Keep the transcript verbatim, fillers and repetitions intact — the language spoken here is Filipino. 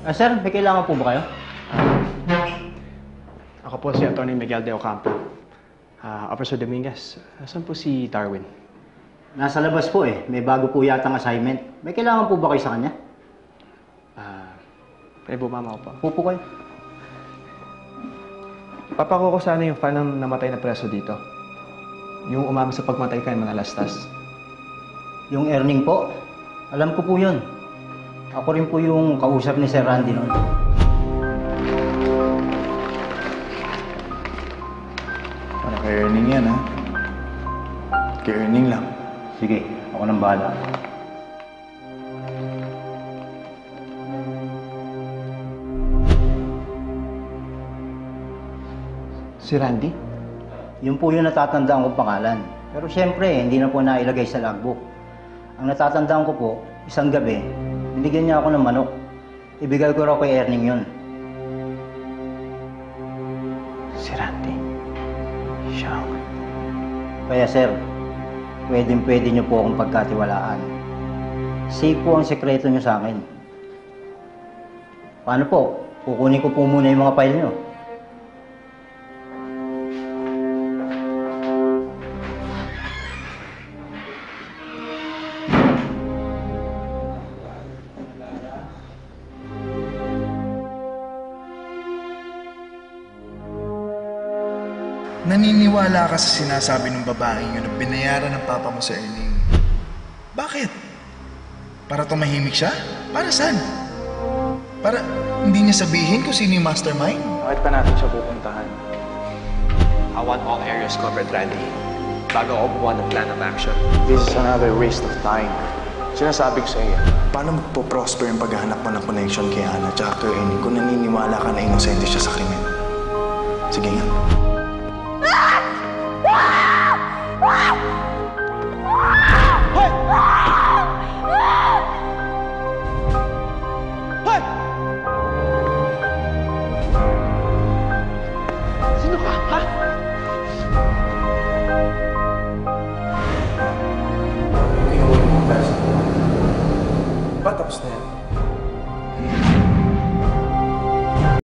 Ah, sir, may kailangan po ba kayo? Ako po si Atty. Miguel de Ocampo. Ah, Officer Dominguez, saan po si Darwin? Nasa labas po eh. May bago po yatang assignment. May kailangan po ba kayo sa kanya? Ah, pwede bumama ko po. Upo kayo. Papako ko sana yung fan ng namatay na preso dito. Yung umama sa pagmatay kay mga lastas. Yung earning po, alam ko po yun. Ako rin po yung kausap ni Sir Randy noon. Para kay earning yan, ha? Kay earning lang. Sige, ako nang bahala. Si Randy? Yun po yung natatandaan kong pangalan. Pero siyempre, hindi na po nailagay sa logbook. Ang natatandaan ko po, isang gabi, binigyan niya ako ng manok. Ibigay ko raw kay Erning yun. Si Randy? Siya. Kaya sir, pwedeng pwede niyo po akong pagkatiwalaan. Safe po ang sekreto niyo sa akin. Paano po? Kukunin ko po muna yung mga file niyo. Naniniwala ka sa sinasabi ng babaeng yun na binayaran ng papa mo sa earning. Bakit? Para tumahimik siya? Para saan? Para hindi niya sabihin kung sino yung mastermind? Bakit pa natin siya pupuntahan? I want all areas covered, Randy. Bago ako buwan ng plan of action. This is another waste of time. Sinasabi ko sa iyo. Paano magpo-prosper yung paghahanap mo ng connection kay Hannah at kay Ernie kung naniniwala ka na inosente siya sa krimen? Sige nga.